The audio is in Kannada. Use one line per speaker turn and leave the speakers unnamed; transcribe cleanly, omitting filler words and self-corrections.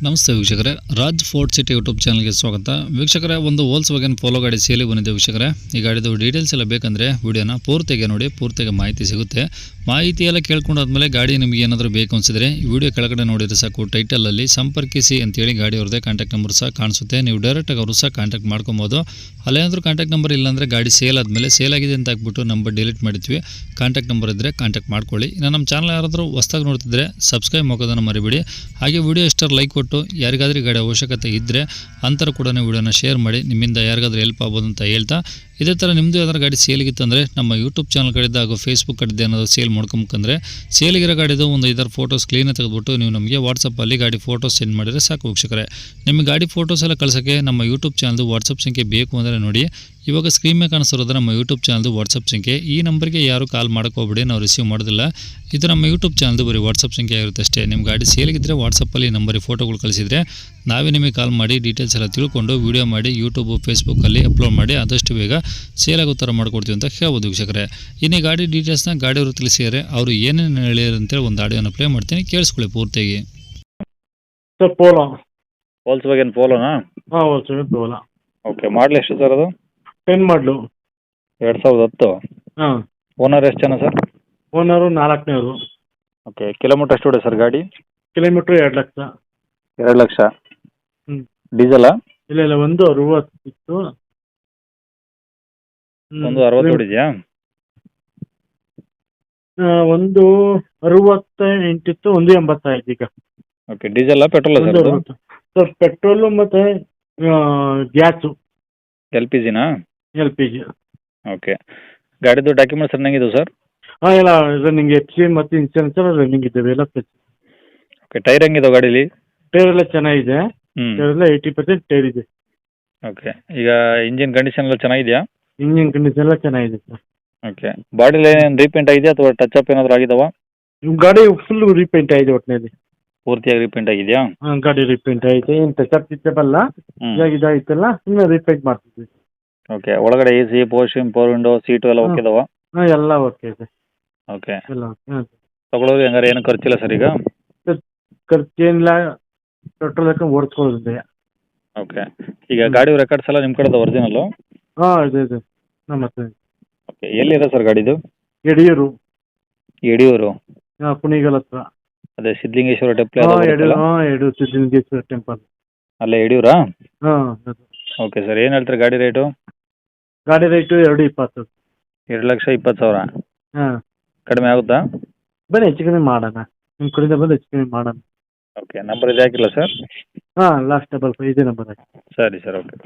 ನಮಸ್ತೆ ವೀಕ್ಷಕರೇ, ರಾಜ್ ಫೋರ್ಟ್ ಸಿಟಿ ಯೂಟ್ಯೂಬ್ ಚಾನಲ್ಗೆ ಸ್ವಾಗತ. ವೀಕ್ಷಕರೇ, ಒಂದು ವೋಲ್ಕ್ಸ್ವ್ಯಾಗನ್ ಪೋಲೋ ಗಾಡಿ ಸೇಲಿ ಬಂದಿದೆ ವೀಕ್ಷಕರೇ. ಈ ಗಾಡಿದು ಡೀಟೇಲ್ಸ್ ಎಲ್ಲ ಬೇಕಂದರೆ ವಿಡಿಯೋನ ಪೂರ್ತಿಗೆ ನೋಡಿ, ಪೂರ್ತಿಗೆ ಮಾಹಿತಿ ಸಿಗುತ್ತೆ. ಮಾಹಿತಿ ಎಲ್ಲ ಕೇಳ್ಕೊಂಡಾದ್ಮೇಲೆ ಗಾಡಿ ನಿಮಗೆ ಏನಾದರೂ ಬೇಕು ಅನಿಸಿದ್ರೆ ಈ ವಿಡಿಯೋ ಕೆಳಗಡೆ ನೋಡಿದರೆ ಸಾಕು, ಟೈಟಲಲ್ಲಿ ಸಂಪರ್ಕಿಸಿ ಅಂತೇಳಿ ಗಾಡಿ ಅವ್ರದ್ದೇ ಕಾಂಟ್ಯಾಕ್ಟ್ ನಂಬರ್ ಸಹ ಕಾಣಿಸುತ್ತೆ. ನೀವು ಡೈರೆಕ್ಟಾಗಿ ಅವರು ಸಹ ಕಾಂಟ್ಯಾಕ್ಟ್ ಮಾಡ್ಕೊಬೋದು. ಅಲ್ಲೇನಾದರೂ ಕಾಂಟ್ಯಾಕ್ಟ್ ನಂಬರ್ ಇಲ್ಲಾಂದರೆ ಗಾಡಿ ಸೇಲ್ ಆದಮೇಲೆ ಸೇಲ್ ಆಗಿದೆ ಅಂತ ಹಾಕ್ಬಿಟ್ಟು ನಂಬರ್ ಡಿಲೀಟ್ ಮಾಡಿದ್ವಿ. ಕಾಂಟ್ಯಾಕ್ಟ್ ನಂಬರ್ ಇದ್ದರೆ ಕಾಂಟ್ಯಾಕ್ಟ್ ಮಾಡ್ಕೊಳ್ಳಿ. ಇನ್ನು ನಮ್ಮ ಚಾನಲ್ ಯಾರಾದರೂ ಹೊಸ್ದಾಗಿ ನೋಡ್ತಿದ್ರೆ ಸಬ್ಸ್ಕ್ರೈಬ್ ಮಾಡೋದನ್ನು ಮರಿಬೇಡಿ. ಹಾಗೆ ವಿಡಿಯೋ ಇಷ್ಟರ ಲೈಕ್ ಕೊಟ್ಟು ಯಾರಿಗಾದ್ರೂ ಗಾಡಿ ಅವಶ್ಯಕತೆ ಇದ್ದರೆ ಅಂತರ ಕೂಡ ವಿಡಿಯೋನ ಶೇರ್ ಮಾಡಿ, ನಿಮ್ಮಿಂದ ಯಾರಿಗಾದ್ರೂ ಹೆಲ್ಪ್ ಆಗ್ಬೋದು ಅಂತ ಹೇಳ್ತಾ, ಇದೇ ಥರ ನಿಮ್ಮದು ಯಾವ್ದಾರು ಗಾಡಿ ಸೇಲಿಗಿತ್ತಂದರೆ ನಮ್ಮ ಯೂಟ್ಯೂಬ್ ಚಾನಲ್ ಕಡೆದು ಹಾಗೂ ಫೇಸ್ಬುಕ್ ಕಡೆದು ಏನಾದರೂ ಸೇಲ್ ಮಾಡ್ಕೊಂಬೇಕಂದ್ರೆ ಸೇಲಿಗಿರೋ ಗಾಡಿದು ಒಂದು 5 ಫೋಟೋಸ್ ಕ್ಲೀನಾಗಿ ತೆಗೆದುಬಿಟ್ಟು ನೀವು ನಮಗೆ ವಾಟ್ಸಪ್ಪಲ್ಲಿ ಗಾಡಿ ಫೋಟೋಸ್ ಸೆಂಡ್ ಮಾಡಿದರೆ ಸಾಕು ವೀಕ್ಷಕರೇ. ನಿಮಗೆ ಗಾಡಿ ಫೋಟೋಸ್ ಎಲ್ಲ ಕಳ್ಸೋಕ್ಕೆ ನಮ್ಮ ಯೂಟ್ಯೂಬ್ ಚಾನಲ್ದು ವಾಟ್ಸಪ್ ಸಂಖ್ಯೆ ಬೇಕು ಅಂದರೆ ನೋಡಿ, ಇವಾಗ ಸ್ಕ್ರೀನ್ ಮೇಲೆ ಕಾಣಿಸ್ತಿರೋದು ನಮ್ಮ ಯೂಟ್ಯೂಬ್ ಚಾನಲ್ದು ವಾಟ್ಸಪ್ ಸಂಖ್ಯೆ. ಈ ನಂಬರ್ಗೆ ಯಾರು ಕಾಲ್ ಮಾಡ್ಕೋಬೇಡಿ, ನಾವು ರಿಸೀವ್ ಮಾಡೋದಿಲ್ಲ. ಇದು ನಮ್ಮ ಯೂಟ್ಯೂಬ್ ಚಾನಲ್ದು ಬರೀ ವಾಟ್ಸಪ್ ಸಂಖ್ಯೆ ಆಗಿರುತ್ತೆ ಅಷ್ಟೇ. ನಿಮ್ಮ ಗಾಡಿ ಸೇಲಿಗಿದ್ದರೆ ವಾಟ್ಸಪ್ಪಲ್ಲಿ ನಂಬರಿಗೆ ಫೋಟೋಗಳು ಕಳಿಸಿದರೆ ನಾವೇ ನಿಮಗೆ ಕಾಲ್ ಮಾಡಿ ಡೀಟೇಲ್ಸ್ ಎಲ್ಲ ತಿಳ್ಕೊಂಡು ವೀಡಿಯೋ ಮಾಡಿ ಯೂಟ್ಯೂಬು ಫೇಸ್ಬುಕ್ಕಲ್ಲಿ ಅಪ್ಲೋಡ್ ಮಾಡಿ ಆದಷ್ಟು ಬೇಗ ಸೇಲ್ ಆಗೋ ಥರ ಮಾಡ್ಕೊಡ್ತೀವಿ ಅಂತ ಹೇಳ್ಬೋದು ವೀಕ್ಷಕರೇ. ಇನ್ನು ಗಾಡಿ ಡೀಟೇಲ್ಸ್ನ ಗಾಡಿಯವರು ತಿಳಿಸಿದರೆ ಅವರು ಏನೇನು ಹೇಳಿದ್ರು ಅಂತೇಳಿ ಒಂದು ಆಡಿಯೋನ ಪ್ಲೇ ಮಾಡ್ತೀನಿ, ಕೇಳಿಸ್ಕೊಳ್ಳಿ ಪೂರ್ತಿಯಾಗಿ.
Sir Polo.
ವೋಲ್ಕ್ಸ್ವ್ಯಾಗನ್ ಪೋಲೋನಾ?
ಹಾಂ ವೋಲ್ಕ್ಸ್ವ್ಯಾಗನ್ ಪೋಲೋ.
ಓಕೆ, ಮಾಡಲ್ ಎಷ್ಟು ಸರ್ ಅದು?
10 ಮಾಡಲು.
2010.
ಹಾಂ.
ಓನರ್ ಎಷ್ಟು ಜನ ಸರ್?
ಓನರು 4ನೇವರು.
ಓಕೆ, ಕಿಲೋಮೀಟರ್ ಎಷ್ಟು ಹೊಡೆ ಸರ್ ಗಾಡಿ?
ಕಿಲೋಮೀಟ್ರ್ 2 ಲಕ್ಷ.
2 ಲಕ್ಷ.
ಹ್ಞೂ.
ಡೀಸೆಲಾ?
ಇಲ್ಲ 160 ಇತ್ತು.
160 ಹೊಡಿದೆಯಾ?
168 ಇತ್ತು, 180 ಆಯ್ತು ಈಗ.
ಓಕೆ, ಡೀಸೆಲಾ ಪೆಟ್ರೋಲಾ ಸರ್?
160. ಸರ್ ಪೆಟ್ರೋಲು ಮತ್ತು ಗ್ಯಾಸು.
LPGನಾ?
LPG.
ಓಕೆ, ಗಾಡಿದು ಡಾಕ್ಯುಮೆಂಟ್ಸ್ ರನ್ನಿಂಗ್ ಇದು ಸರ್?
ಹಾಂ, ಎಲ್ಲ ರನ್ನಿಂಗ್ FC ಮತ್ತು ಇನ್ಶೂರೆನ್ಸ್ ಎಲ್ಲ ರನ್ನಿಂಗ್ ಇದ್ದಾವೆ, ಎಲ್ಲ
ಓಕೆ, ಟೈರ್ ಹೆಂಗಿದಾವೆ ಗಾಡೀಲಿ?
ಟೈರ್ ಎಲ್ಲ ಚೆನ್ನಾಗಿದೆ.
ಹ್ಞೂ.
ಟೈರ್ ಎಲ್ಲ 80% ಟೈರ್ ಇದೆ.
ಓಕೆ, ಈಗ ಇಂಜಿನ್ ಕಂಡೀಷನ್ ಎಲ್ಲ ಚೆನ್ನಾಗಿದೆಯಾ?
ಇಂಜಿನ್ ಕಂಡೀಷನ್ ಎಲ್ಲ ಚೆನ್ನಾಗಿದೆ ಸರ್.
ಓಕೆ, ಬಾಡಿಲಿ ಏನೇನು ರೀಪೇಂಟ್ ಆಗಿದೆಯಾ ಅಥವಾ ಟಚ್ ಅಪ್ ಏನಾದರೂ ಆಗಿದಾವಾ?
ಗಾಡಿ ಫುಲ್ ರೀಪೇಂಟ್ ಆಗಿದೆ ಒಟ್ಟಿನಲ್ಲಿ.
ಪೂರ್ತಿಯಾಗಿ ರೀಪೇಂಟ್ ಆಗಿದೆಯಾ?
ಹಾಂ, ಗಾಡಿ ರೀಪೇಂಟ್ ಆಗಿದೆ. ಏನು ಟಚಪ್ ಗಿಚಪ್ ಇವಾಗ ಇದಾಯ್ತಲ್ಲ, ಸುಮ್ಮನೆ ರೀಪೇಂಟ್ ಮಾಡ್ತಿದ್ವಿ.
ಓಕೆ, ಒಳಗಡೆ AC, ಪವರ್ ವಿಂಡೋ, ಸೀಟು ಎಲ್ಲ ಓಕೆ ಇದಾವಾ?
ಹಾಂ, ಎಲ್ಲ ಓಕೆ ಇದೆ.
ಓಕೆ,
ಎಲ್ಲ ಓಕೆ. ಹಾಂ,
ತಗೊಳ್ಳೋರು ಹೆಂಗಾರೆ ಏನು ಖರ್ಚಿಲ್ಲ ಸರ್ ಈಗ?
ಖರ್ಚೇನಿಲ್ಲ, ಪೆಟ್ರೋಲ್ ಹಾಕೊಂಡು ಓಡಿಸ್ಕೊಳ್ಳೋದಿದೆ.
ಓಕೆ, ಈಗ ಗಾಡಿ ರೆಕಾರ್ಡ್ಸ್ ಎಲ್ಲ ನಿಮ್ಮ ಕಡೆದು ಒರಿಜಿನಲ್ಲು?
ಹಾಂ, ಇದೆ ನಮ್ಮ ಹತ್ರ.
ಓಕೆ, ಎಲ್ಲಿದೆ ಸರ್ ಗಾಡಿದು?
ಯಡಿಯೂರು.
ಯಡಿಯೂರು?
ಹಾಂ, ಕುಣಿಗಲ್ ಹತ್ರ.
ಅದೇ ಸಿದ್ಧಲಿಂಗೇಶ್ವರ ಟೆಂಪಲ್
ಹಾಂ, ಯಡಿಯೂರು ಸಿದ್ಧಲಿಂಗೇಶ್ವರ ಟೆಂಪಲ್.
ಅಲ್ಲೇ ಯಡಿಯೂರಾ?
ಹಾಂ, ಅದು.
ಓಕೆ ಸರ್, ಏನು ಹೇಳ್ತಾರೆ ಗಾಡಿ ರೇಟು?
ಗಾಡಿ ರೇಟು 220.
2,20,000.
ಹಾಂ.
ಕಡಿಮೆ ಆಗುತ್ತಾ?
ಬನ್ನಿ, ಹೆಚ್ಚು ಕಮ್ಮಿ ಮಾಡೋಣ. ನಿಮ್ಮ ಕಡೆಯಿಂದ ಬಂದು ಹೆಚ್ಚು ಕಮ್ಮಿ ಮಾಡೋಣ.
ಓಕೆ, ನಂಬರ್ ಇದು ಹಾಕಿಲ್ಲ ಸರ್?
ಹಾಂ, ಲಾಸ್ಟ್ 55 ಇದೇ ನಂಬರ್.
ಸರಿ ಸರ್, ಓಕೆ.